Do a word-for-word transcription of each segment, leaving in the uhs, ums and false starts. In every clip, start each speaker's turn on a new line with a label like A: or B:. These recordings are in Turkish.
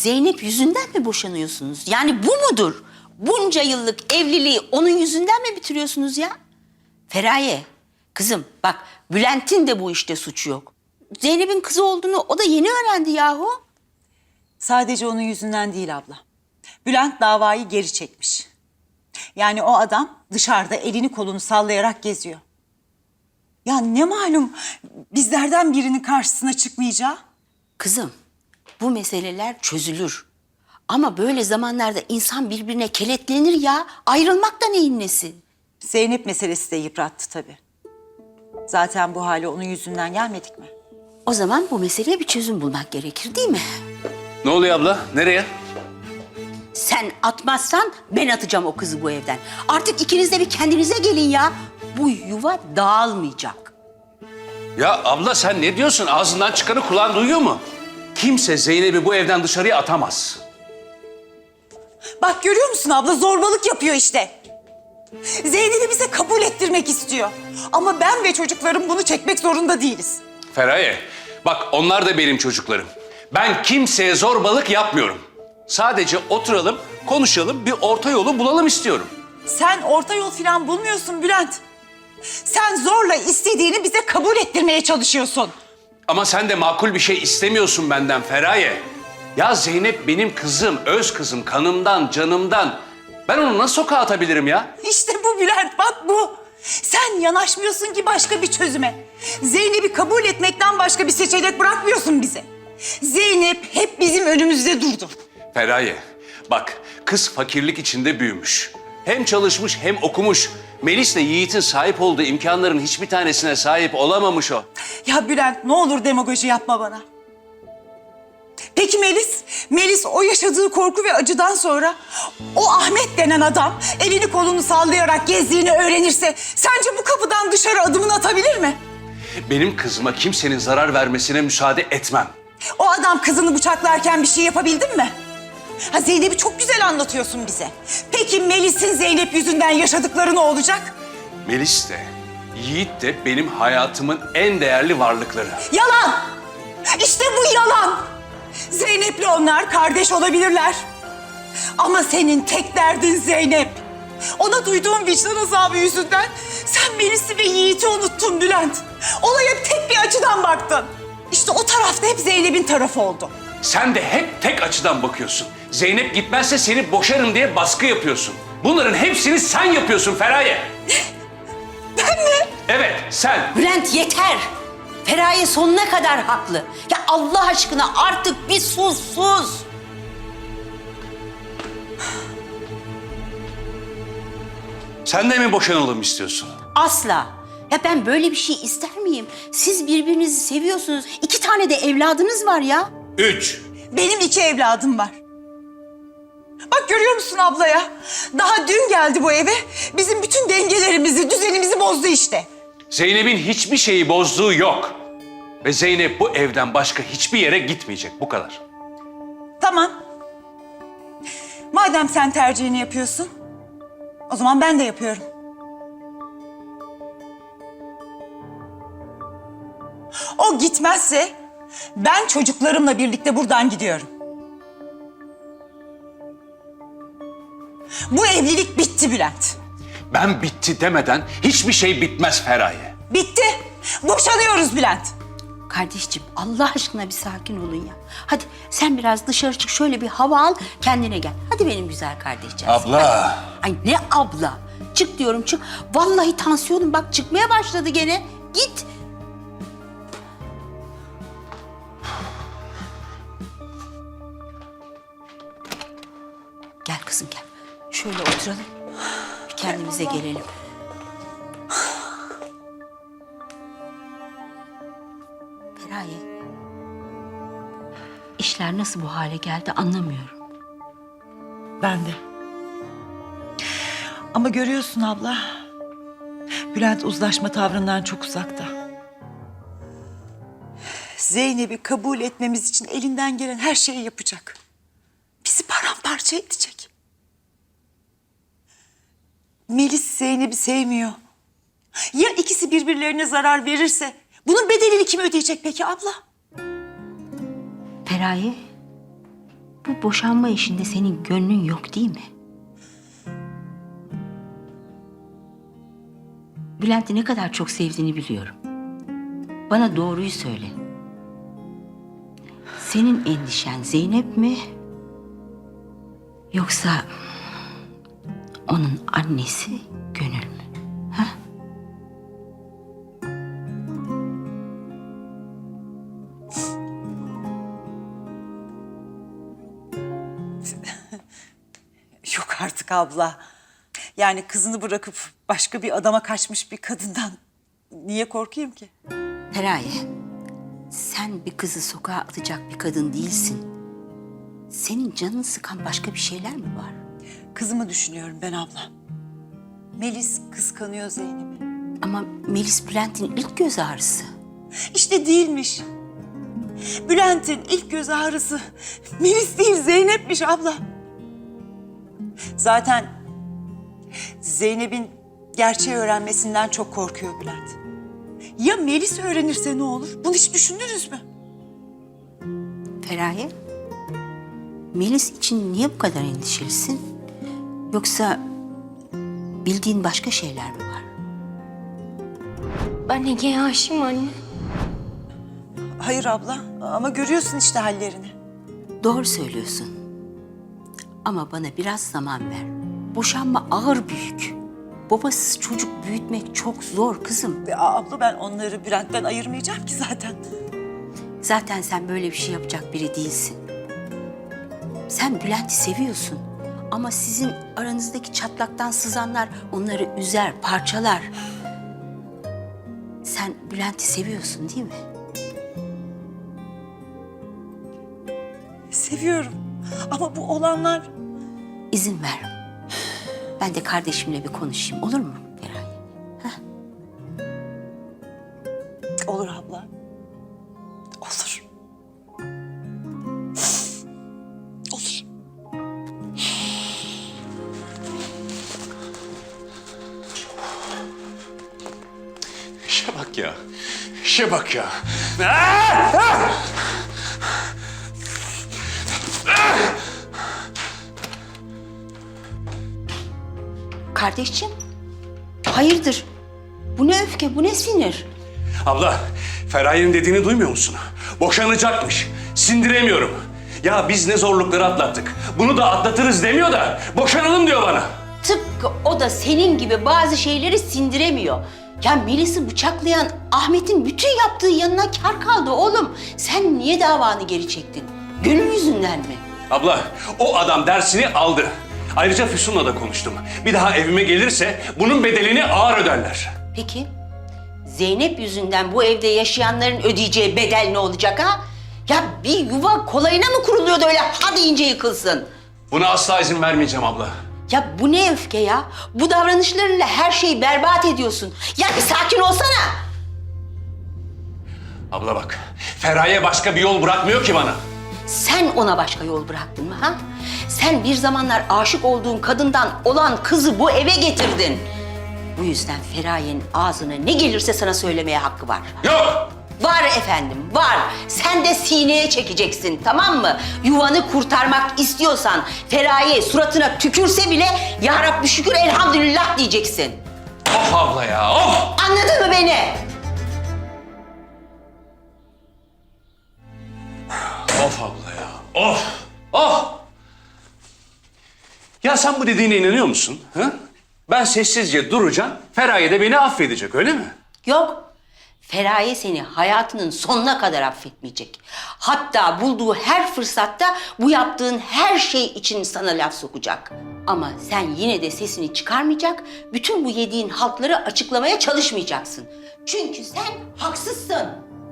A: Zeynep yüzünden mi boşanıyorsunuz? Yani bu mudur? Bunca yıllık evliliği onun yüzünden mi bitiriyorsunuz ya? Feraye, kızım bak Bülent'in de bu işte suçu yok. Zeynep'in kızı olduğunu o da yeni öğrendi yahu.
B: Sadece onun yüzünden değil abla. Bülent davayı geri çekmiş. Yani o adam dışarıda elini kolunu sallayarak geziyor. Ya ne malum bizlerden birinin karşısına çıkmayacağı?
A: Kızım, bu meseleler çözülür. Ama böyle zamanlarda insan birbirine kenetlenir ya. Ayrılmak da neyin nesi?
B: Zeynep meselesi de yıprattı tabii. Zaten bu hale onun yüzünden gelmedik mi?
A: O zaman bu meseleye bir çözüm bulmak gerekir değil mi?
C: Ne oluyor abla? Nereye?
A: Sen atmazsan ben atacağım o kızı bu evden. Artık ikiniz de bir kendinize gelin ya. Bu yuva dağılmayacak.
C: Ya abla sen ne diyorsun? Ağzından çıkanı kulağın duyuyor mu? Kimse Zeynep'i bu evden dışarıya atamaz.
B: Bak görüyor musun abla zorbalık yapıyor işte. Zeynep'i bize kabul ettirmek istiyor. Ama ben ve çocuklarım bunu çekmek zorunda değiliz.
C: Feraye, bak onlar da benim çocuklarım. Ben kimseye zorbalık yapmıyorum. Sadece oturalım, konuşalım, bir orta yolu bulalım istiyorum.
B: Sen orta yol falan bulmuyorsun Bülent. Sen zorla istediğini bize kabul ettirmeye çalışıyorsun.
C: Ama sen de makul bir şey istemiyorsun benden Feraye. Ya Zeynep benim kızım, öz kızım, kanımdan, canımdan. Ben onu nasıl sokağa atabilirim ya?
B: İşte bu Bülent, bak bu. Sen yanaşmıyorsun ki başka bir çözüme. Zeynep'i kabul etmekten başka bir seçenek bırakmıyorsun bize. Zeynep hep bizim önümüzde durdu.
C: Feraye, bak kız fakirlik içinde büyümüş. Hem çalışmış hem okumuş. Melis'le Yiğit'in sahip olduğu imkanların hiçbir tanesine sahip olamamış o.
B: Ya Bülent ne olur demagoji yapma bana. Peki Melis? Melis o yaşadığı korku ve acıdan sonra o Ahmet denen adam elini kolunu sallayarak gezdiğini öğrenirse sence bu kapıdan dışarı adımını atabilir mi?
C: Benim kızıma kimsenin zarar vermesine müsaade etmem.
B: O adam kızını bıçaklarken bir şey yapabildin mi? Ha Zeynep'i çok güzel anlatıyorsun bize. Peki Melis'in Zeynep yüzünden yaşadıkları ne olacak?
C: Melis de, Yiğit de benim hayatımın en değerli varlıkları.
B: Yalan! İşte bu yalan! Zeynep'le onlar kardeş olabilirler. Ama senin tek derdin Zeynep. Ona duyduğun vicdan azabı yüzünden sen Melis'i ve Yiğit'i unuttun Bülent. Olaya tek bir açıdan baktın. İşte o tarafta hep Zeynep'in tarafı oldu.
C: Sen de hep tek açıdan bakıyorsun. Zeynep gitmezse seni boşarım diye baskı yapıyorsun. Bunların hepsini sen yapıyorsun Feraye.
B: Ben mi?
C: Evet, sen.
A: Bülent yeter. Feraye sonuna kadar haklı. Ya Allah aşkına artık bir sus sus.
C: Sen de mi boşanalım istiyorsun?
A: Asla. Ya ben böyle bir şey ister miyim? Siz birbirinizi seviyorsunuz. İki tane de evladınız var ya.
C: Üç.
B: Benim iki evladım var. Bak görüyor musun abla ya? Daha dün geldi bu eve. Bizim bütün dengelerimizi, düzenimizi bozdu işte.
C: Zeynep'in hiçbir şeyi bozduğu yok. Ve Zeynep bu evden başka hiçbir yere gitmeyecek, bu kadar.
B: Tamam. Madem sen tercihini yapıyorsun, o zaman ben de yapıyorum. O gitmezse ben çocuklarımla birlikte buradan gidiyorum. Bu evlilik bitti Bülent.
C: Ben bitti demeden hiçbir şey bitmez Feraye.
B: Bitti. Boşanıyoruz Bülent.
A: Kardeşciğim Allah aşkına bir sakin olun ya. Hadi sen biraz dışarı çık şöyle bir hava al kendine gel. Hadi benim güzel kardeşciğim.
C: Abla.
A: Ay ne abla? Çık diyorum çık. Vallahi tansiyonum bak çıkmaya başladı gene. Git. Gel kızım gel. Şöyle oturalım. Bir kendimize gelelim. Feraye. İşler nasıl bu hale geldi anlamıyorum.
B: Ben de. Ama görüyorsun abla, Bülent uzlaşma tavrından çok uzakta. Zeynep'i kabul etmemiz için elinden gelen her şeyi yapacak. Bizi paramparça edecek. Melis Zeynep'i sevmiyor. Ya ikisi birbirlerine zarar verirse bunun bedelini kim ödeyecek peki abla?
A: Feraye, bu bu boşanma işinde senin gönlün yok değil mi? Bülent'i ne kadar çok sevdiğini biliyorum. Bana doğruyu söyle. Senin endişen Zeynep mi? Yoksa onun annesi Gönül mü? Ha?
B: Yok artık abla. Yani kızını bırakıp başka bir adama kaçmış bir kadından niye korkayım ki?
A: Feraye, sen bir kızı sokağa atacak bir kadın değilsin. Senin canını sıkan başka bir şeyler mi var?
B: Kızımı düşünüyorum ben abla. Melis kıskanıyor Zeynep'i.
A: Ama Melis Bülent'in ilk göz ağrısı.
B: İşte değilmiş. Bülent'in ilk göz ağrısı Melis değil Zeynep'miş abla. Zaten Zeynep'in gerçeği öğrenmesinden çok korkuyor Bülent. Ya Melis öğrenirse ne olur? Bunu hiç düşündünüz mü?
A: Feraye, Melis için niye bu kadar endişelisin? Yoksa bildiğin başka şeyler mi var?
D: Ben Ege'ye aşığım anne.
B: Hayır abla ama görüyorsun işte hallerini.
A: Doğru söylüyorsun. Ama bana biraz zaman ver. Boşanma ağır büyük. Babasız çocuk büyütmek çok zor kızım.
B: Ve abla ben onları Bülent'ten ayırmayacağım ki zaten.
A: Zaten sen böyle bir şey yapacak biri değilsin. Sen Bülent'i seviyorsun. Ama sizin aranızdaki çatlaktan sızanlar onları üzer, parçalar. Sen Bülent'i seviyorsun değil mi?
B: Seviyorum ama bu olanlar...
A: İzin ver. Ben de kardeşimle bir konuşayım, olur mu Feraye?
B: Olur abla. Olur. Olur.
C: İşe bak ya. İşe bak ya. Ah! Ah!
A: Kardeşciğim, hayırdır? Bu ne öfke, bu ne sinir?
C: Abla, Feraye'nin dediğini duymuyor musun? Boşanacakmış. Sindiremiyorum. Ya biz ne zorlukları atlattık. Bunu da atlatırız demiyor da boşanalım diyor bana.
A: Tıpkı o da senin gibi bazı şeyleri sindiremiyor. Ya Melis'i bıçaklayan Ahmet'in bütün yaptığı yanına kar kaldı oğlum. Sen niye davanı geri çektin? Gönül yüzünden mi?
C: Abla, o adam dersini aldı. Ayrıca Füsun'la da konuştum. Bir daha evime gelirse bunun bedelini ağır öderler.
A: Peki, Zeynep yüzünden bu evde yaşayanların ödeyeceği bedel ne olacak ha? Ya bir yuva kolayına mı kuruluyor da öyle ha deyince yıkılsın?
C: Buna asla izin vermeyeceğim abla.
A: Ya bu ne öfke ya? Bu davranışlarıyla her şeyi berbat ediyorsun. Ya bir sakin olsana.
C: Abla bak, Feraye başka bir yol bırakmıyor ki bana.
A: Sen ona başka yol bıraktın mı ha? Sen bir zamanlar aşık olduğun kadından olan kızı bu eve getirdin. Bu yüzden Feraye'nin ağzına ne gelirse sana söylemeye hakkı var.
C: Yok!
A: Var efendim, var. Sen de sineye çekeceksin, tamam mı? Yuvanı kurtarmak istiyorsan Feraye suratına tükürse bile ya Rabbi şükür elhamdülillah diyeceksin.
C: Of abla ya, of!
A: Anladın mı beni?
C: Of abla ya, of! Of! Ya sen bu dediğine inanıyor musun? Ha? Ben sessizce duracağım, Feraye de beni affedecek, öyle mi?
A: Yok. Feraye seni hayatının sonuna kadar affetmeyecek. Hatta bulduğu her fırsatta bu yaptığın her şey için sana laf sokacak. Ama sen yine de sesini çıkarmayacak, bütün bu yediğin haltları açıklamaya çalışmayacaksın. Çünkü sen haksızsın.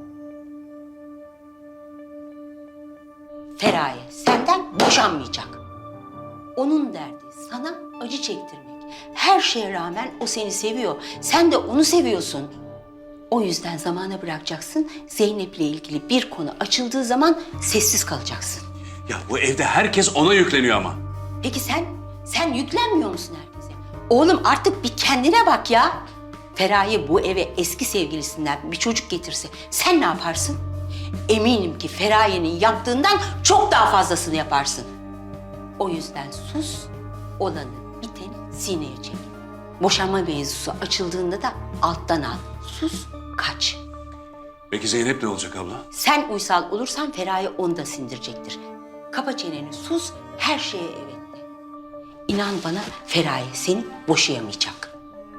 A: Feraye senden boşanmayacak. Onun derdi sana acı çektirmek. Her şeye rağmen o seni seviyor. Sen de onu seviyorsun. O yüzden zamana bırakacaksın. Zeynep'le ilgili bir konu açıldığı zaman sessiz kalacaksın.
C: Ya bu evde herkes ona yükleniyor ama.
A: Peki sen, sen yüklenmiyor musun herkese? Oğlum artık bir kendine bak ya. Feraye bu eve eski sevgilisinden bir çocuk getirse sen ne yaparsın? eminim ki Feraye'nin yaptığından çok daha fazlasını yaparsın. O yüzden sus, olanı biteni sineye çek. Boşanma mevzusu açıldığında da alttan al. Sus, kaç.
C: Peki Zeynep ne olacak abla?
A: Sen uysal olursan Feraye onu da sindirecektir. Kapa çeneni, sus, her şeye evet de. İnan bana Feraye seni boşayamayacak.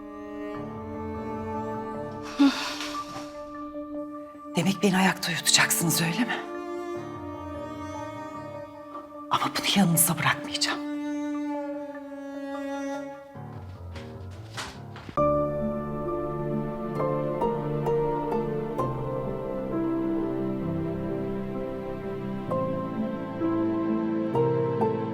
B: Demek beni ayakta uyutacaksınız öyle mi? Ama bunu yanınıza bırakmayacağım.